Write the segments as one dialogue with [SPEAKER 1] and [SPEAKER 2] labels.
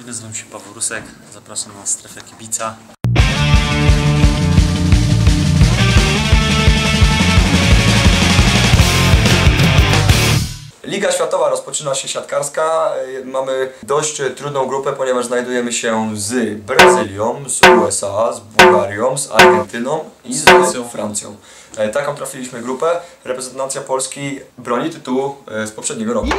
[SPEAKER 1] dobry, nazywam się Paweł Rusek, zapraszam na strefę kibica.
[SPEAKER 2] Liga Światowa rozpoczyna się siatkarska. Mamy dość trudną grupę, ponieważ znajdujemy się z Brazylią, z USA, z Bułgarią, z Argentyną i z Francją. Taką trafiliśmy grupę. Reprezentacja Polski broni tytułu z poprzedniego roku.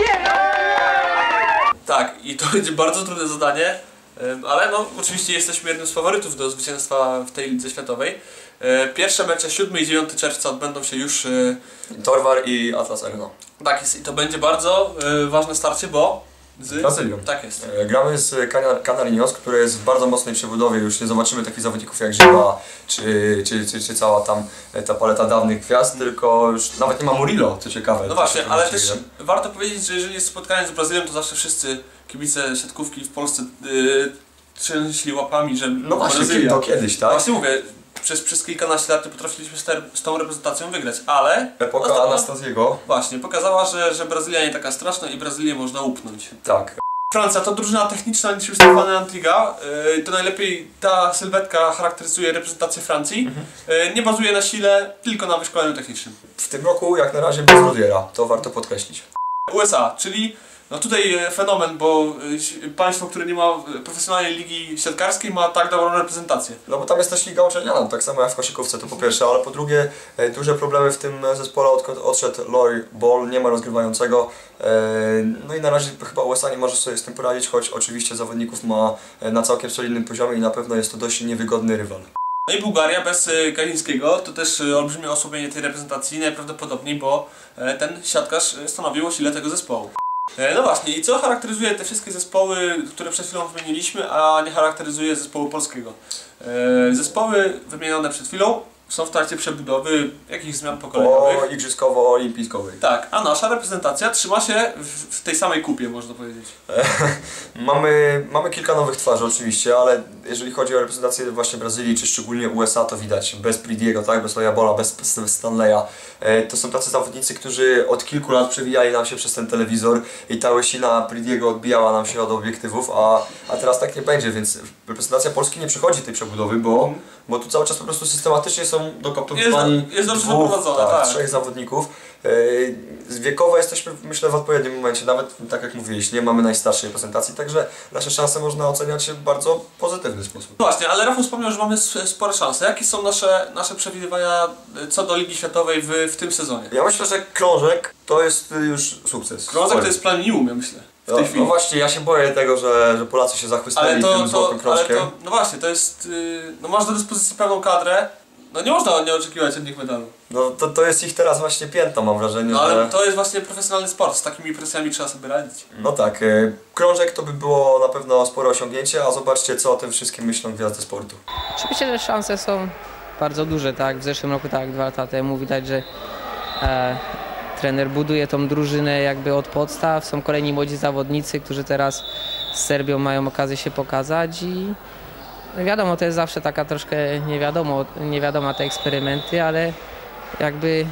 [SPEAKER 3] Tak, i to będzie bardzo trudne zadanie, ale no oczywiście jesteśmy jednym z faworytów do zwycięstwa w tej Lidze Światowej. Pierwsze mecze 7 i 9 czerwca odbędą się już...
[SPEAKER 2] Torwar i Atlas Arena.
[SPEAKER 3] Tak jest, i to będzie bardzo ważne starcie, bo...
[SPEAKER 2] Z Brazylią.
[SPEAKER 3] Tak jest.
[SPEAKER 2] Gramy z Canarinhos, który jest w bardzo mocnej przebudowie. Już nie zobaczymy takich zawodników jak Żywa czy cała tam ta paleta dawnych gwiazd, tylko już nawet nie ma Murillo, co ciekawe.
[SPEAKER 3] No właśnie, ale też warto powiedzieć, że jeżeli jest spotkanie z Brazylią, to zawsze wszyscy kibice siatkówki w Polsce trzęśli łapami, że
[SPEAKER 2] no właśnie,
[SPEAKER 3] Brazylia.
[SPEAKER 2] To kiedyś, tak?
[SPEAKER 3] Właśnie mówię, przez kilkanaście lat potrafiliśmy z tą reprezentacją wygrać, ale...
[SPEAKER 2] Epoka Anastaziego.
[SPEAKER 3] Właśnie, pokazała, że Brazylia nie taka straszna i Brazylię można upchnąć.
[SPEAKER 2] Tak.
[SPEAKER 3] Francja to drużyna techniczna niż Stefana Antiga. To najlepiej ta sylwetka charakteryzuje reprezentację Francji. Nie bazuje na sile, tylko na wyszkoleniu technicznym.
[SPEAKER 2] W tym roku jak na razie bez Rodiera, to warto podkreślić.
[SPEAKER 3] USA, czyli no tutaj fenomen, bo państwo, które nie ma profesjonalnej ligi siatkarskiej, ma tak dobrą reprezentację.
[SPEAKER 2] No bo tam jest też liga uczelniana, tak samo jak w koszykówce, to po pierwsze, ale po drugie duże problemy w tym zespole, odkąd odszedł Laurie Ball, nie ma rozgrywającego. No i na razie chyba USA nie może sobie z tym poradzić, choć oczywiście zawodników ma na całkiem solidnym poziomie i na pewno jest to dość niewygodny rywal.
[SPEAKER 3] No i Bułgaria bez Kalińskiego to też olbrzymie osłabienie tej reprezentacji najprawdopodobniej, bo ten siatkarz stanowił o sile tego zespołu. No właśnie, i co charakteryzuje te wszystkie zespoły, które przed chwilą wymieniliśmy, a nie charakteryzuje zespołu polskiego? Zespoły wymienione przed chwilą są w trakcie przebudowy, jakichś zmian pokoleniowych.
[SPEAKER 2] Igrzyskowo-olimpijskowej.
[SPEAKER 3] Tak, a nasza reprezentacja trzyma się w tej samej kupie, można powiedzieć.
[SPEAKER 2] Mamy kilka nowych twarzy oczywiście, ale jeżeli chodzi o reprezentację właśnie Brazylii, czy szczególnie USA, to widać bez Pridiego, tak? Bez Loya Bola, bez Stanleya. To są tacy zawodnicy, którzy od kilku lat przewijali nam się przez ten telewizor i ta łysina Pridiego odbijała nam się od obiektywów, a teraz tak nie będzie, więc reprezentacja Polski nie przechodzi tej przebudowy, bo tu cały czas po prostu systematycznie są dokoptowani trzech zawodników. Wiekowo jesteśmy, myślę, w odpowiednim momencie, nawet tak jak mówiłeś, nie mamy najstarszej reprezentacji, także nasze szanse można oceniać w bardzo pozytywny sposób.
[SPEAKER 3] Właśnie, ale Rafał wspomniał, że mamy spore szanse. Jakie są nasze przewidywania co do Ligi Światowej w tym sezonie?
[SPEAKER 2] Ja myślę, że krążek to jest już sukces.
[SPEAKER 3] Krążek to jest plan minimum, ja myślę.
[SPEAKER 2] No właśnie, ja się boję tego, że Polacy się zachłysnęli tym złotym krążkiem.
[SPEAKER 3] No właśnie, to jest... No masz do dyspozycji pełną kadrę, no nie można nie oczekiwać od nich medalu.
[SPEAKER 2] No to jest ich teraz właśnie piętno, mam wrażenie,
[SPEAKER 3] no, ale to jest właśnie profesjonalny sport, z takimi presjami trzeba sobie radzić.
[SPEAKER 2] No tak, krążek to by było na pewno spore osiągnięcie, a zobaczcie, co o tym wszystkim myślą gwiazdy sportu.
[SPEAKER 4] Oczywiście, że szanse są bardzo duże, tak, w zeszłym roku, tak, 2 lata temu widać, że trener buduje tą drużynę jakby od podstaw, są kolejni młodzi zawodnicy, którzy teraz z Serbią mają okazję się pokazać i wiadomo, to jest zawsze taka troszkę niewiadoma te eksperymenty, ale jakby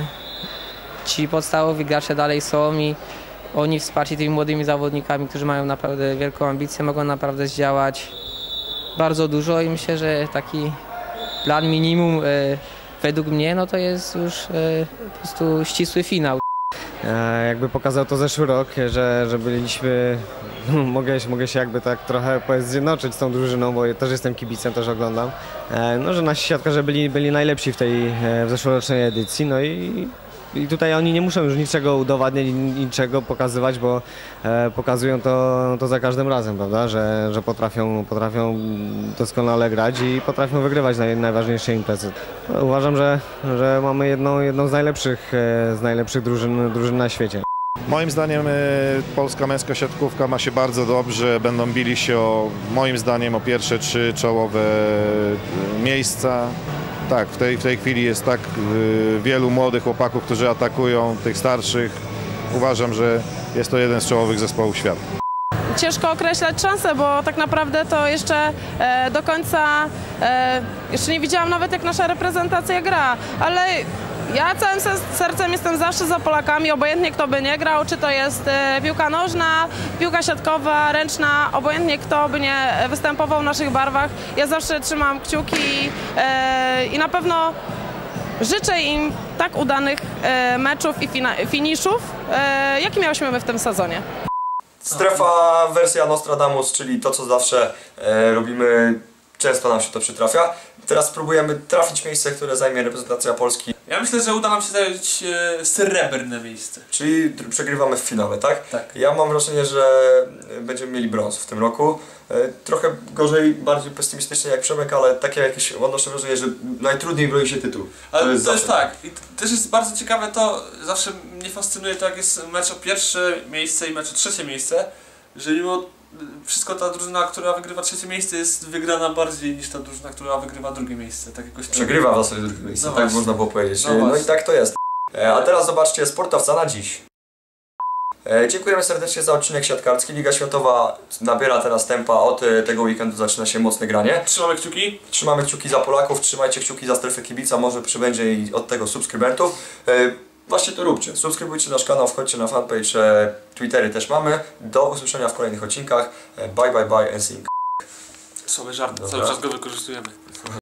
[SPEAKER 4] ci podstawowi gracze dalej są i oni wsparci tymi młodymi zawodnikami, którzy mają naprawdę wielką ambicję, mogą naprawdę zdziałać bardzo dużo i myślę, że taki plan minimum według mnie no to jest już po prostu ścisły finał.
[SPEAKER 5] Jakby pokazał to zeszły rok, że byliśmy, mogę się jakby tak trochę zjednoczyć z tą drużyną, bo też jestem kibicem, też oglądam, no, że nasi siatkarze byli najlepsi w zeszłorocznej edycji, no i tutaj oni nie muszą już niczego udowadniać, niczego pokazywać, bo pokazują to za każdym razem, prawda, że potrafią doskonale grać i potrafią wygrywać najważniejsze imprezy. No, uważam, że mamy jedną z najlepszych drużyn na świecie.
[SPEAKER 6] Moim zdaniem polska męska siatkówka ma się bardzo dobrze, będą bili się moim zdaniem o pierwsze 3 czołowe miejsca. Tak, w tej chwili jest tak wielu młodych chłopaków, którzy atakują tych starszych. Uważam, że jest to jeden z czołowych zespołów świata.
[SPEAKER 7] Ciężko określać szanse, bo tak naprawdę to jeszcze do końca, jeszcze nie widziałam nawet jak nasza reprezentacja gra, ale Ja całym sercem jestem zawsze za Polakami, obojętnie kto by nie grał, czy to jest piłka nożna, piłka siatkowa, ręczna, obojętnie kto by nie występował w naszych barwach. Ja zawsze trzymam kciuki i na pewno życzę im tak udanych meczów i finiszów, jaki miałyśmy my w tym sezonie.
[SPEAKER 2] Strefa wersja Nostradamus, czyli to co zawsze robimy, często nam się to przytrafia. Teraz spróbujemy trafić miejsce, które zajmie reprezentacja Polski.
[SPEAKER 3] Ja myślę, że uda nam się zająć srebrne miejsce.
[SPEAKER 2] Czyli przegrywamy w finale, tak?
[SPEAKER 3] Tak.
[SPEAKER 2] Ja mam wrażenie, że będziemy mieli brąz w tym roku. Trochę gorzej, bardziej pesymistycznie jak Przemek, ale takie jakieś odnoszę wrażenie, że najtrudniej broni się tytuł.
[SPEAKER 3] Ale to jest
[SPEAKER 2] zawsze
[SPEAKER 3] tak. I też jest bardzo ciekawe to, zawsze mnie fascynuje to, jak jest mecz o pierwsze miejsce i mecz o trzecie miejsce, że mimo wszystko ta drużyna, która wygrywa trzecie miejsce, jest wygrana bardziej niż ta drużyna, która wygrywa drugie miejsce. Tak jakoś
[SPEAKER 2] przegrywa w zasadzie drugie miejsce,
[SPEAKER 3] No
[SPEAKER 2] tak
[SPEAKER 3] właśnie.
[SPEAKER 2] można było powiedzieć.
[SPEAKER 3] No
[SPEAKER 2] No i
[SPEAKER 3] właśnie.
[SPEAKER 2] tak to jest. A teraz zobaczcie sportowca na dziś. Dziękujemy serdecznie za odcinek siatkarski. Liga Światowa nabiera teraz tempa, od tego weekendu zaczyna się mocne granie.
[SPEAKER 3] Trzymamy kciuki.
[SPEAKER 2] Trzymamy kciuki za Polaków, trzymajcie kciuki za strefę kibica, może przybędzie i od tego subskrybentów. Właśnie to róbcie, subskrybujcie nasz kanał, wchodźcie na fanpage, Twittery też mamy. Do usłyszenia w kolejnych odcinkach. Bye bye bye and sing.
[SPEAKER 3] Słaby żart,
[SPEAKER 2] Dobra.
[SPEAKER 3] cały czas go wykorzystujemy.